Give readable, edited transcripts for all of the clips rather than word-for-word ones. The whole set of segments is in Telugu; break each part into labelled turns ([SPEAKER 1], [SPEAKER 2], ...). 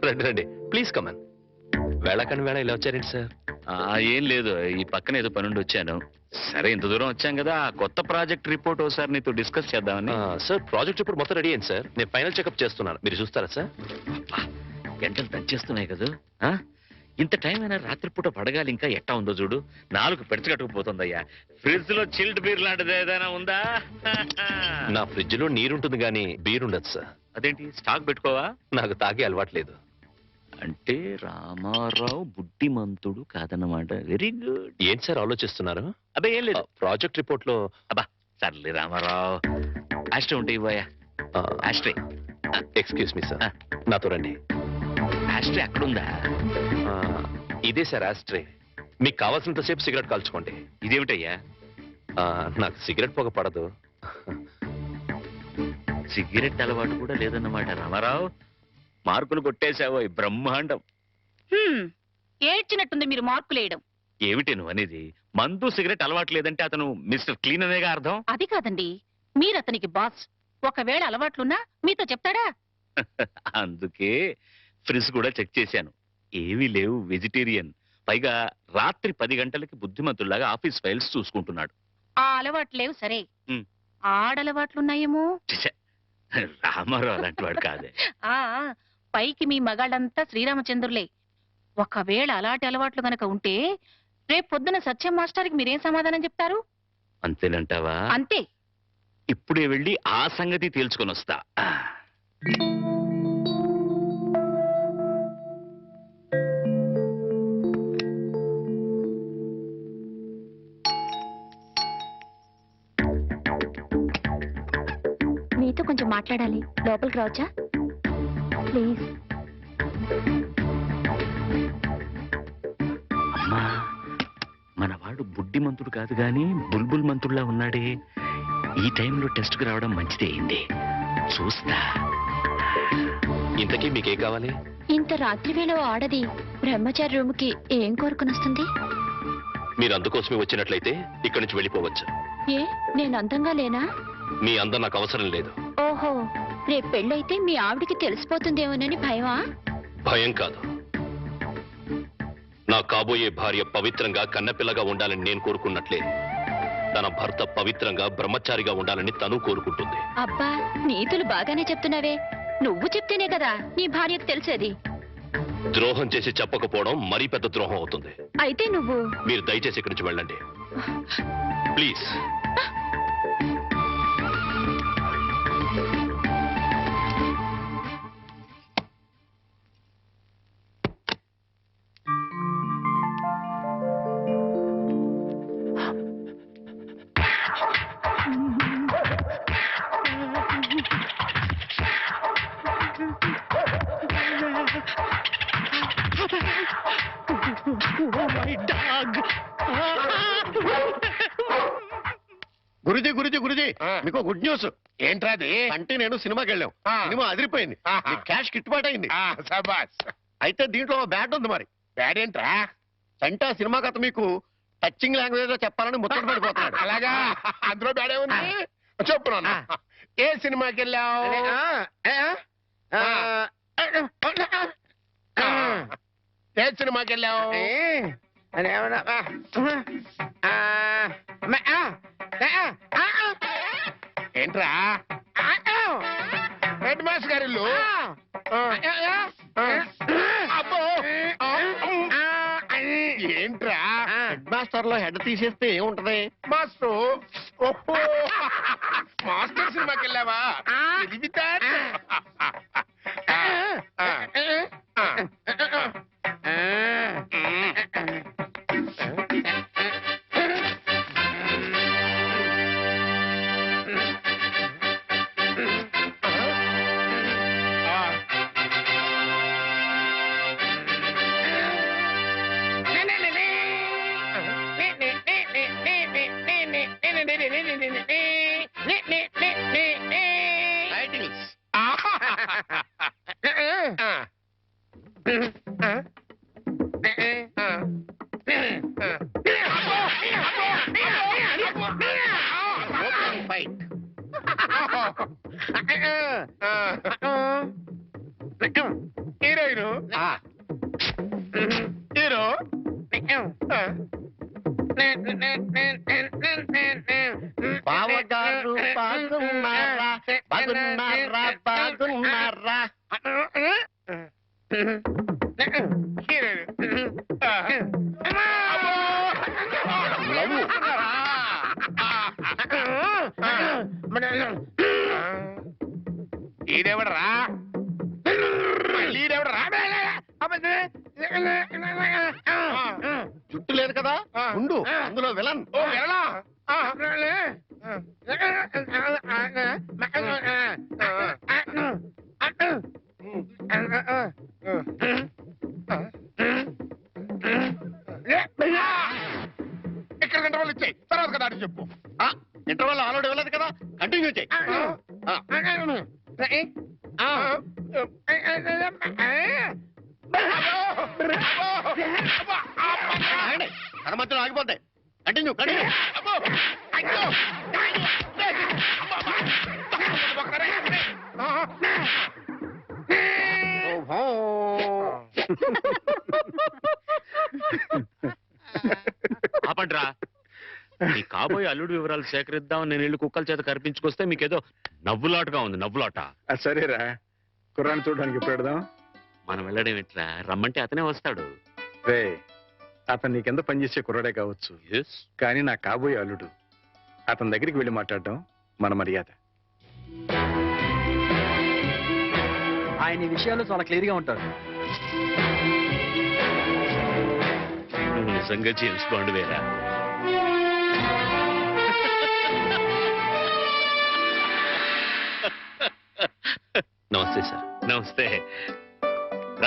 [SPEAKER 1] రండి రండి, ప్లీజ్ కమన్. వేళకని వేళ ఇలా వచ్చారేంటి సార్?
[SPEAKER 2] ఏం లేదు, ఈ పక్కన ఏదో పనుండి వచ్చాను. సరే, ఇంత దూరం వచ్చాం కదా, కొత్త ప్రాజెక్ట్ రిపోర్ట్ ఒకసారి నీతో డిస్కస్ చేద్దామని.
[SPEAKER 1] సార్, ప్రాజెక్ట్ ఇప్పుడు మొత్తం రెడీ అయింది సార్. నేను ఫైనల్ చెకప్ చేస్తున్నాను, మీరు చూస్తారా సార్?
[SPEAKER 2] గంటలు దంచేస్తున్నాయి కదా. ఇంత టైం అయినా రాత్రిపూట పడగాలి, ఇంకా ఎట్టా ఉందో చూడు. 4 పెడచగట్టుకుపోతుందయ్యా. ఫ్రిడ్జ్ లో చిల్డ్ బీర్ లాంటిది ఏదైనా ఉందా?
[SPEAKER 1] నా ఫ్రిడ్జ్ లో నీరుంటుంది కానీ బీర్ ఉండదు సార్.
[SPEAKER 2] అదేంటి, స్టాక్ పెట్టుకోవా?
[SPEAKER 1] నాకు తాగే అలవాట్లేదు.
[SPEAKER 2] అంటే రామారావు బుద్ధిమంతుడు కాదన్నమాట. Very good.
[SPEAKER 1] ఏంటి సార్ ఆలోచిస్తున్నారు?
[SPEAKER 2] అబ్బే ఏం లేదు,
[SPEAKER 1] ప్రాజెక్ట్ రిపోర్ట్ లో.
[SPEAKER 2] అబ్బా సర్లే రామారావు, ఆస్ట్రే ఉంటాయి పోయా. ఆస్ట్రే.
[SPEAKER 1] ఎక్స్క్యూజ్ మీ సార్, నాతో రండి.
[SPEAKER 2] ఆస్ట్రే అక్కడుందా?
[SPEAKER 1] ఇదే సార్ ఆస్ట్రే. మీకు కావాల్సినంతసేపు సిగరెట్ కాల్చుకోండి.
[SPEAKER 2] ఇదేమిటయ్యా?
[SPEAKER 1] నాకు సిగరెట్ పొగ పడదు.
[SPEAKER 2] సిగరెట్ అలవాటు కూడా లేదన్నమాట. రామారావు, మార్కులు కొట్టేశావో బ్రహ్మాండం.
[SPEAKER 3] ఏడ్చినట్టుంది మీరు మార్కులేయడం.
[SPEAKER 2] ఏమిటి నువ్వు అనేది? మందు సిగరెట్ అలవాటు లేదంటే అతను మిస్టర్ క్లీన్ అనేగా అర్థం.
[SPEAKER 3] అది కాదండి, మీరు అతనికి బాస్. ఒకవేళ అలవాట్లున్నా మీతో చెప్తాడా?
[SPEAKER 2] అందుకే ఫ్రిజ్ కూడా చెక్ చేశాను, ఏమీ లేవు. వెజిటేరియన్. పైగా రాత్రి 10 గంటలకి బుద్ధిమంతుల్లాగా ఆఫీస్ ఫైల్స్ చూసుకుంటున్నాడు.
[SPEAKER 3] ఆ అలవాట్లు లేవు సరే, ఆడలవాట్లున్నాయేమో.
[SPEAKER 2] రామారావు అలాంటి వాడు కాదే.
[SPEAKER 3] ఆ పైకి మీ మగాళ్ళంతా శ్రీరామచంద్రులే. ఒకవేళ అలాంటి అలవాట్లు గనక ఉంటే రేపు పొద్దున సత్యం మాస్టర్కి మీరేం సమాధానం చెప్తారు?
[SPEAKER 2] అంతేనంటావా?
[SPEAKER 3] అంతే.
[SPEAKER 2] ఇప్పుడే వెళ్ళి ఆ సంగతి తేల్చుకొని వస్తా.
[SPEAKER 4] మీతో కొంచెం మాట్లాడాలి, లోపలికి రావచ్చా ప్లీజ్?
[SPEAKER 2] అమ్మా, మనవాడు బుడ్డిమంతుడు కాదు గాని బుల్బుల్ మంతుడులా ఉన్నాడే. ఈ టైంలో టెస్ట్కి రావడం మంచిదే అయింది. చూస్తా.
[SPEAKER 1] ఇంతకీ మీకేం కావాలి?
[SPEAKER 4] ఇంత రాత్రి వేళ ఆడది బ్రహ్మచారి రూమ్కి ఏం కోరుకుని వస్తుంది?
[SPEAKER 1] మీరు అందుకోసమే వచ్చినట్లయితే ఇక్కడి నుంచి వెళ్ళిపోవచ్చు.
[SPEAKER 4] ఏ, నేను అందంగా లేనా?
[SPEAKER 1] మీ అందం నాకు అవసరం లేదు.
[SPEAKER 4] ఓహో, రేపు పెళ్ళైతే మీ ఆవిడికి తెలిసిపోతుందేమోనని భయమా?
[SPEAKER 1] భయం కాదు. నా కాబోయే భార్య పవిత్రంగా కన్నపిల్లగా ఉండాలని నేను కోరుకున్నట్లే తన భర్త పవిత్రంగా బ్రహ్మచారిగా ఉండాలని తను కోరుకుంటుంది.
[SPEAKER 4] అబ్బా, నీతులు బాగానే చెప్తున్నావే. నువ్వు చెప్తేనే కదా నీ భార్యకు తెలిసేది.
[SPEAKER 1] ద్రోహం చేసి చెప్పకపోవడం మరీ పెద్ద ద్రోహం అవుతుంది.
[SPEAKER 4] అయితే నువ్వు
[SPEAKER 1] మీరు దయచేసి ఇక్కడి నుంచి వెళ్ళండి ప్లీజ్.
[SPEAKER 5] గురుజీ గురుజీ గురుజీ, మీకు గుడ్ న్యూస్. ఏంట్రాది? అంటే నేను సినిమాకి వెళ్ళాం, సినిమా అదిరిపోయింది, క్యాష్ గిట్టుబాటు అయింది. అయితే దీంట్లో బ్యాట్ ఉంది. మరి బ్యాడ్ ఏంట్రా? అంటే సినిమా కథ మీకు టచింగ్ లాంగ్వేజ్ లో చెప్పాలని ముచ్చట పడిపోతున్నాడు. అలాగా? అందులో బ్యాడే ఉంది. చెప్పు, ఏ సినిమాకి వెళ్ళావు? ఏ సినిమాకి వెళ్ళావు? ఏంట్రా? హెడ్ మాస్టర్ గారి ఇల్లు. అబ్బో, ఏంట్రా? హెడ్ మాస్టర్ లో హెడ్ తీసేస్తే ఏముంటది? మాస్టర్. ఓహో, మాస్టర్ సినిమాకి వెళ్ళావా? హీరోయిన్
[SPEAKER 6] హీరో హీరో
[SPEAKER 5] బావగారు బాగున్నారా బాగున్నారా బాగున్నారా లవ్వు.
[SPEAKER 6] ఈడెవడరా ఈడెవడరా
[SPEAKER 5] జుట్టు లేదు కదా ఉండు అందులో విలన్
[SPEAKER 6] ఓ వెళ్ళా ఇక్కడ గంట వాళ్ళు ఇచ్చాయి తర్వాత కదా అని చెప్పు
[SPEAKER 5] ఇంటర్వల్ ఆల్రెడీ వెళ్ళదు కదా కంటిన్యూ చేయి కథ మధ్యలో ఆగిపోతాయి కంటిన్యూ కంటిన్యూ
[SPEAKER 2] ఆపండ్రా మీ కాబోయే అల్లుడు వివరాలు సేకరిద్దాం నేను ఇల్లు కుక్కల చేత కనిపించుకొస్తే మీకేదో నవ్వులాటగా ఉంది నవ్వులాట.
[SPEAKER 7] సరేరా కుర్రాన్ని చూడడానికి ఎప్పుడు పెడదాం.
[SPEAKER 2] మనం వెళ్ళడం ఎట్లా రమ్మంటే అతనే వస్తాడు.
[SPEAKER 7] రే అతను నీకెంత పనిచేసే కుర్రాడే కావచ్చు కానీ నా కాబోయే అల్లుడు. అతని దగ్గరికి వెళ్ళి మాట్లాడడం మన మర్యాద.
[SPEAKER 8] ఆయన ఈ విషయాల్లో చాలా క్లియర్ గా ఉంటారు.
[SPEAKER 2] నువ్వు నిజంగా జేమ్స్ బాండ్ వేరా?
[SPEAKER 1] నమస్తే సార్.
[SPEAKER 2] నమస్తే రా.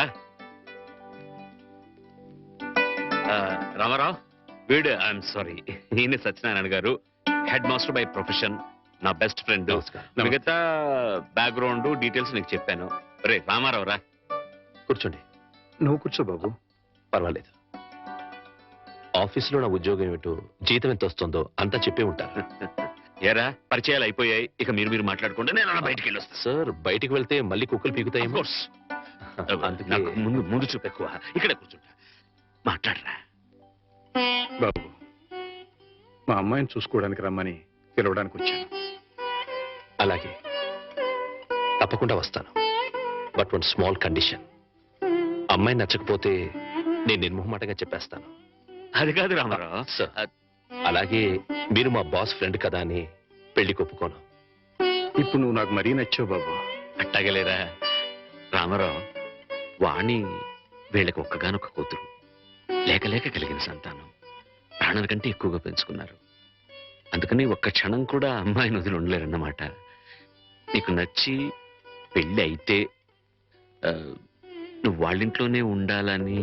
[SPEAKER 2] రామారావు వీడు ఐఎమ్ సారీ ఈయన Satyanarayana garu head master by profession నా బెస్ట్ ఫ్రెండ్. మిగతా బ్యాక్గ్రౌండ్ డీటెయిల్స్ నీకు చెప్పాను. రే రామారావు రా
[SPEAKER 1] కూర్చోండి.
[SPEAKER 7] నువ్వు కూర్చో బాబు.
[SPEAKER 1] పర్వాలేదు. ఆఫీసులో నా ఉద్యోగం ఏమిటో జీతం ఎంత వస్తుందో అంతా చెప్పే ఉంటారు.
[SPEAKER 2] ఏరా పరిచయాలు అయిపోయాయి, ఇక మీరు మాట్లాడుకుంటే నేను అలా బయటికి వెళ్ళొస్తా.
[SPEAKER 1] సార్ బయటికి వెళ్తే మళ్ళీ కుక్కలు పీకుతాయి.
[SPEAKER 2] నాకు ముందు చూపు ఎక్కువ. ఇక్కడే కూర్చుంటా మాట్లాడరా.
[SPEAKER 7] బాబు మా అమ్మాయిని చూసుకోవడానికి రమ్మని పిలవడానికి వచ్చాను.
[SPEAKER 1] అలాగే తప్పకుండా వస్తాను. But one small condition. అమ్మాయి నచ్చకపోతే నేను నిర్మోహమాటంగా చెప్పేస్తాను.
[SPEAKER 2] అది కాదు రామారావు.
[SPEAKER 1] సార్ అలాగే మీరు మా బాస్ ఫ్రెండ్ కదా అని పెళ్లి ఒప్పుకోను.
[SPEAKER 7] ఇప్పుడు నువ్వు నాకు మరీ నచ్చావు బాబు.
[SPEAKER 2] అట్టగలేరా రామారావు. వాణి వీళ్ళకి ఒక్కగానొక్క కూతురు, లేక లేక కలిగిన సంతానం, ప్రాణాల కంటే ఎక్కువగా పెంచుకున్నారు. అందుకని ఒక్క క్షణం కూడా అమ్మాయిని వదిలి ఉండలేరన్నమాట. నీకు నచ్చి పెళ్ళి అయితే నువ్వు వాళ్ళింట్లోనే ఉండాలని.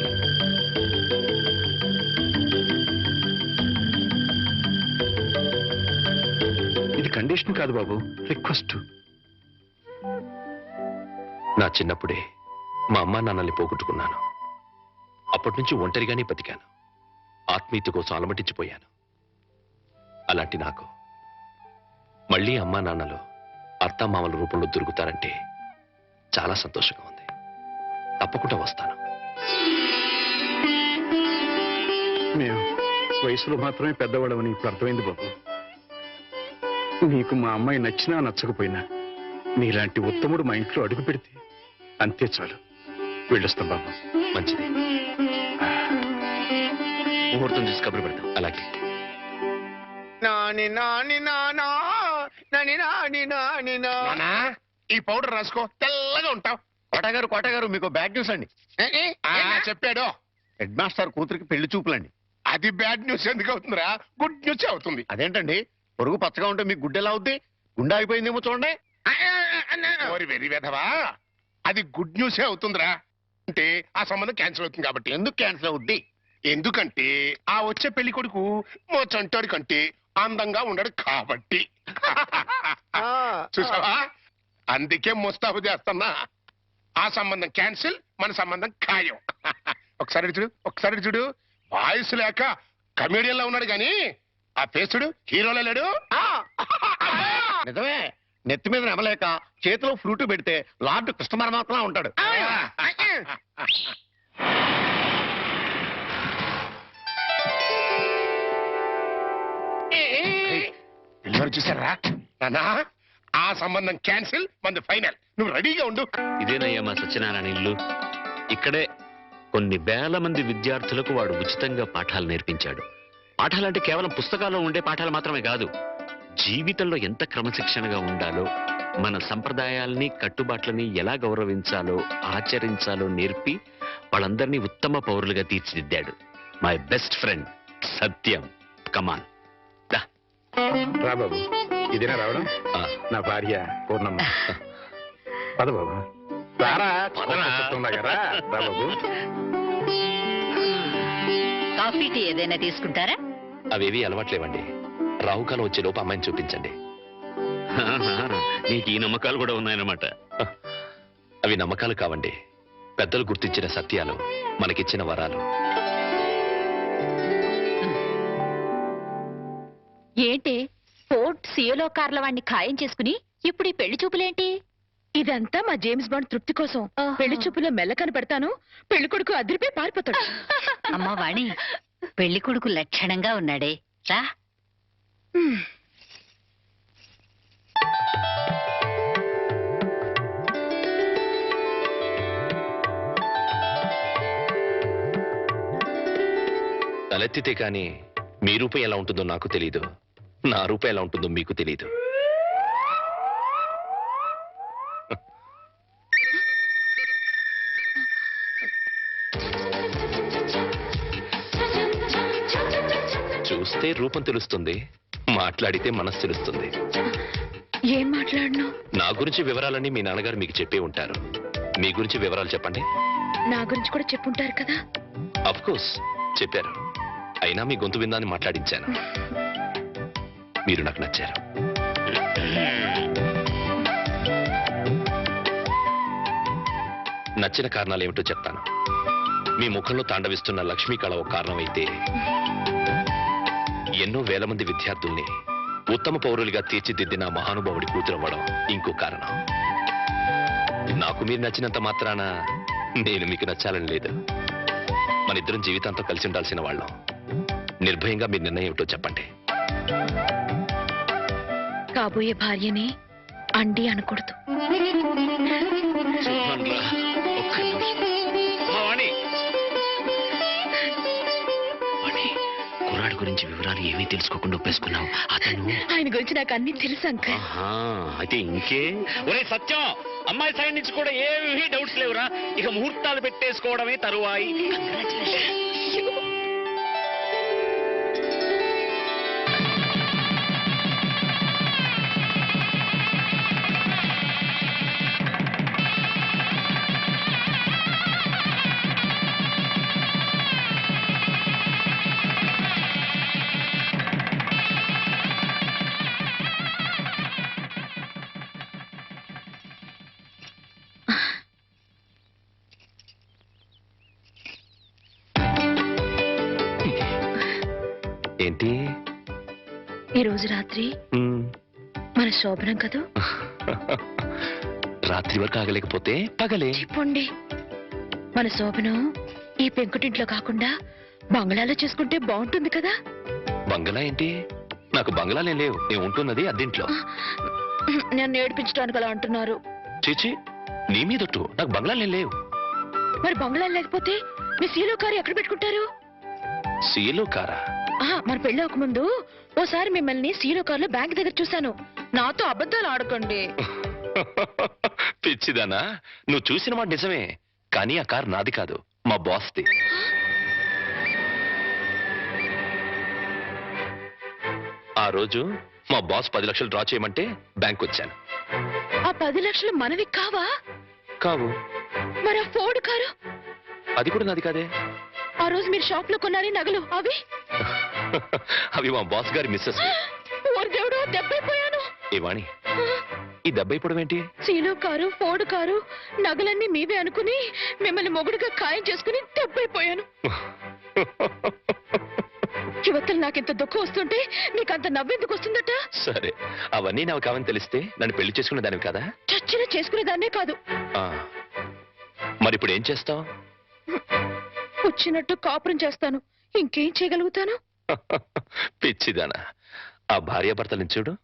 [SPEAKER 7] ఇది కండిషన్ కాదు బాబు, రిక్వెస్ట్.
[SPEAKER 1] నా చిన్నప్పుడే మా అమ్మా నాన్నల్ని పోగొట్టుకున్నాను. అప్పటి నుంచి ఒంటరిగానే బతికాను. ఆత్మీయత కోసం అలమటించిపోయాను. అలాంటి నాకు మళ్ళీ అమ్మా నాన్నలు అత్తామామల రూపంలో దొరుకుతారంటే చాలా సంతోషంగా ఉంది. తప్పకుండా వస్తాను.
[SPEAKER 7] మేము వయసులో మాత్రమే పెద్దవాళ్ళమని ఇప్పుడు అర్థమైంది బాబు. నీకు మా అమ్మాయి నచ్చినా నచ్చకపోయినా నీలాంటి ఉత్తముడు మా ఇంట్లో అడుగు పెడితే అంతే చాలు. వెళ్ళొస్తాం బాబు.
[SPEAKER 1] మంచిది.
[SPEAKER 2] ముహూర్తం చూసి కబురు పెడతాం.
[SPEAKER 1] అలాగే.
[SPEAKER 6] నాని నాని నానా నాని నాని నాని నానా ఈ పౌడర్ రాసుకో తెల్లగా ఉంటావు.
[SPEAKER 5] కోటగారు మీకు బ్యాడ్ న్యూస్ అండి.
[SPEAKER 6] చెప్పాడు.
[SPEAKER 5] హెడ్ మాస్టర్ కూతురికి పెళ్లి చూపులండి.
[SPEAKER 6] అది బ్యాడ్ న్యూస్ ఎందుకు అవుతుందిరా? గుడ్ న్యూస్ అవుతుంది.
[SPEAKER 5] అదేంటండి పొరుగు పచ్చగా ఉంటే మీకు గుడ్డెలా అవుద్ది? గుండె ఆగిపోయిందేమో చూడండి.
[SPEAKER 6] ఓరి వెరీ వెధవా, అది గుడ్ న్యూసే అవుతుందిరా. అంటే ఆ సంబంధం క్యాన్సిల్ అవుతుంది కాబట్టి.
[SPEAKER 5] ఎందుకు క్యాన్సిల్ అవుద్ది?
[SPEAKER 6] ఎందుకంటే ఆ వచ్చే పెళ్లి కొడుకు మోచంటాడు కంటే అందంగా ఉండడు కాబట్టి. చూసావా, అందుకే ముస్తాబు చేస్తున్నా. ఆ సంబంధం క్యాన్సిల్, మన సంబంధం ఖాయం. ఒకసారి చూడు వాయిస్ లేక కమేడియన్ లా ఉన్నాడు గాని ఆ ఫేస్ చూడు హీరోలో లేడు.
[SPEAKER 5] నిజమే, నెత్తి మీద నెమలేక చేతిలో ఫ్రూట్ పెడితే లార్డ్ కృష్ణ పరమాత్మ ఉంటాడు.
[SPEAKER 6] పిల్లలు చూసారా నానా? ఆ సంబంధం క్యాన్సిల్, మంది ఫైనల్. నువ్వు రెడీగా ఉండు.
[SPEAKER 2] ఇదేనయ్యా మా సత్యనారాయణ ఇల్లు. ఇక్కడే కొన్ని వేల మంది విద్యార్థులకు వాడు ఉచితంగా పాఠాలు నేర్పించాడు. పాఠాలంటే కేవలం పుస్తకాల్లో ఉండే పాఠాలు మాత్రమే కాదు, జీవితంలో ఎంత క్రమశిక్షణగా ఉండాలో, మన సంప్రదాయాల్ని కట్టుబాట్లని ఎలా గౌరవించాలో ఆచరించాలో నేర్పి వాళ్ళందరినీ ఉత్తమ పౌరులుగా తీర్చిదిద్దాడు. My best friend Satyam. Come on
[SPEAKER 7] రా బాబు, ఇదేనా రావడం? నా భార్య పూర్ణమ్మ. పద బాబు, రారా. రా బాబు.
[SPEAKER 4] కాఫీ టీ ఏదైనా తీసుకుంటారా?
[SPEAKER 1] అవేవి అలవాట్లేవండి. రాహుకాలం వచ్చే లోపు అమ్మాయిని చూపించండి.
[SPEAKER 2] నీకు ఈ నమ్మకాలు కూడా ఉన్నాయన్నమాట.
[SPEAKER 1] అవి నమ్మకాలు కావండి, పెద్దలు గుర్తించిన సత్యాలు, మనకిచ్చిన వరాలు.
[SPEAKER 4] ఏంటి ఫోర్ట్ సియోలో కార్ల వాడిని ఖాయం చేసుకుని ఇప్పుడు ఈ పెళ్లి చూపులేంటి?
[SPEAKER 3] ఇదంతా మా జేమ్స్ బాండ్ తృప్తి కోసం. పెళ్లి చూపులో మెల్ల కనపడతాను, పెళ్లి కొడుకు అదిరిపోయి పారిపోతాడు.
[SPEAKER 4] అమ్మా వాణి, పెళ్లి కొడుకు లక్షణంగా ఉన్నాడే, రా.
[SPEAKER 1] తలెత్తితే కానీ మీ రూపం ఎలా ఉంటుందో నాకు తెలీదు, నా రూపం ఎలా ఉంటుందో మీకు తెలీదు. చూస్తే రూపం తెలుస్తుంది, మాట్లాడితే మనసు తెలుస్తుంది.
[SPEAKER 3] ఏం మాట్లాడను?
[SPEAKER 1] నా గురించి వివరాలన్నీ మీ నాన్నగారు మీకు చెప్పే ఉంటారు. మీ గురించి వివరాలు చెప్పండి.
[SPEAKER 3] నా గురించి కూడా చెప్పుంటారు కదా.
[SPEAKER 1] అఫ్ కోర్స్ చెప్పారు, అయినా మీ గొంతు విందాన్ని మాట్లాడించాను. మీరు నాకు నచ్చారు. నచ్చిన కారణాలు ఏమిటో చెప్తాను. మీ ముఖంలో తాండవిస్తున్న లక్ష్మీ కళ ఒక కారణం అయితే, ఎన్నో వేల మంది విద్యార్థుల్ని ఉత్తమ పౌరులుగా తీర్చిదిద్దిన మహానుభావుడి కూతురవ్వడం ఇంకో కారణం. నాకు మీరు నచ్చినంత మాత్రాన నేను మీకు నచ్చాలని లేదు. మన ఇద్దరం జీవితాంతం కలిసి ఉండాల్సిన వాళ్ళం. నిర్భయంగా మీ నిర్ణయం ఏమిటో చెప్పండి.
[SPEAKER 3] కాబోయే భార్యని అండి అనకూడదు.
[SPEAKER 2] కుర్రాడి గురించి వివరాలు ఏమీ తెలుసుకోకుండా ఒప్పేసుకున్నావు. అతను
[SPEAKER 3] ఆయన గురించి నాకు అన్ని తెలుసు అంకల్.
[SPEAKER 2] అయితే ఇంకే. ఒరే సత్యం, అమ్మాయి సైడ్ నుంచి కూడా ఏమీ డౌట్స్ లేవురా. ఇక ముహూర్తాలు పెట్టేసుకోవడమే తరువాయి.
[SPEAKER 1] ఏంటి
[SPEAKER 3] ఈ రోజు రాత్రి మన శోభనం కదా.
[SPEAKER 1] రాత్రి వరకు ఆగలేకపోతే పగలే
[SPEAKER 3] చెప్పండి. మన శోభనం ఈ పెంకుటింట్లో కాకుండా బంగ్లాలో చేసుకుంటే బాగుంటుంది కదా.
[SPEAKER 1] బంగ్లా ఏంటి? నాకు బంగ్లాలే లేవు. నేను ఉంటున్నది అద్దెంట్లో.
[SPEAKER 3] నన్ను ఏడిపించడానికి అలా అంటున్నారు.
[SPEAKER 1] చీచి, నీ మీదొట్టు. నాకు బంగ్లాలే లేవు.
[SPEAKER 3] మరి బంగ్లాలు లేకపోతే మీ సీలో కారు ఎక్కడ పెట్టుకుంటారు?
[SPEAKER 1] సీలో కారా?
[SPEAKER 3] మన పెళ్లి అవ్వకముందు ఓసారి మిమ్మల్ని సీలో కారులో బ్యాంక్ దగ్గర చూశాను. నాతో అబద్ధాలు ఆడకండి.
[SPEAKER 1] పిచ్చిదానా, నువ్వు చూసిన మాట నిజమే, కానీ ఆ కారు నాది కాదు, మా బాస్ది. ఆ రోజు మా బాస్ 10 లక్షలు డ్రా చేయమంటే బ్యాంక్ వచ్చాను.
[SPEAKER 3] ఆ 10 లక్షలు మనవి కావా?
[SPEAKER 1] కావు.
[SPEAKER 3] మరి ఆ ఫోర్డ్ కారు?
[SPEAKER 1] అది కూడా నాది కాదే.
[SPEAKER 3] ఆ రోజు మీరు షాప్ లో కొన్నారే నగలు అవి?
[SPEAKER 1] అవి మా బాస్ గారి మిస్సెస్.
[SPEAKER 3] ఓరి దేవుడు, దెబ్బైపోయాను.
[SPEAKER 1] ఏ వాణి, ఈ దెబ్బైపోవడం ఏంటి?
[SPEAKER 3] సీలో కారు, ఫోర్డ్ కారు, నగలన్నీ మీవే అనుకుని మిమ్మల్ని మొగుడుగా ఖాయం చేసుకుని దెబ్బైపోయాను.
[SPEAKER 4] యువతలు నాకెంత దుఃఖం వస్తుంటే నీకంత నవ్వెందుకు వస్తుందట?
[SPEAKER 1] సరే, అవన్నీ నాకు కావని తెలిస్తే నన్ను పెళ్లి చేసుకునే దానివి కదా.
[SPEAKER 4] చచ్చిన చేసుకునేదాన్నే కాదు.
[SPEAKER 1] ఆ, మరి ఇప్పుడు ఏం చేస్తావు?
[SPEAKER 4] వచ్చినట్టు కాపురం చేస్తాను. ఇంకేం చేయగలుగుతాను?
[SPEAKER 1] పిచ్చిదానా, ఆ భార్యాభర్తలను చూడు.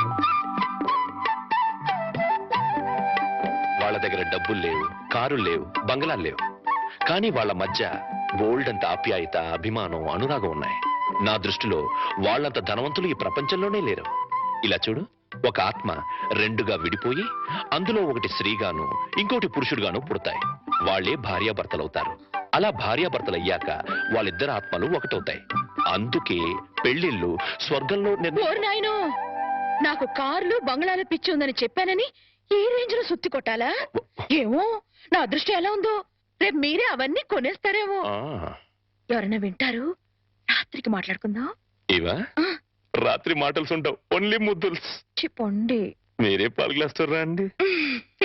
[SPEAKER 1] వాళ్ళ దగ్గర డబ్బులు లేవు, కారులు లేవు, బంగ్లాలు లేవు, కానీ వాళ్ళ మధ్య బోల్డ్ అంత ఆప్యాయత, అభిమానం, అనురాగం ఉన్నాయి. నా దృష్టిలో వాళ్ళంత ధనవంతులు ఈ ప్రపంచంలోనే లేరు. ఇలా చూడు, ఒక ఆత్మ రెండుగా విడిపోయి అందులో ఒకటి స్త్రీగాను ఇంకోటి పురుషుడుగాను పుడతాయి. వాళ్ళే భార్యాభర్తలవుతారు. అలా భార్యాభర్తలయ్యాక వాళ్ళిద్దరు ఆత్మలు ఒకటవుతాయి. అందుకే పెళ్లిళ్ళు స్వర్గంలో
[SPEAKER 4] ఓరి నాయనో, నాకు కార్లు బంగ్లాల పిచ్చి ఉందని చెప్పానని ఈ రేంజ్ లో సుత్తి కొట్టాలా? ఏమో, నా అదృష్టం ఎలా ఉందో, రేపు మీరే అవన్నీ కొనేస్తారేమో. ఎవరైనా వింటారు? రాత్రికి మాట్లాడుకుందాం.
[SPEAKER 1] ఇవా రాత్రి మాటలు ఉండవు, ఓన్లీ ముద్దుల్స్.
[SPEAKER 4] చెప్పండి.
[SPEAKER 1] మీరే పాల్గొస్తారా అండి?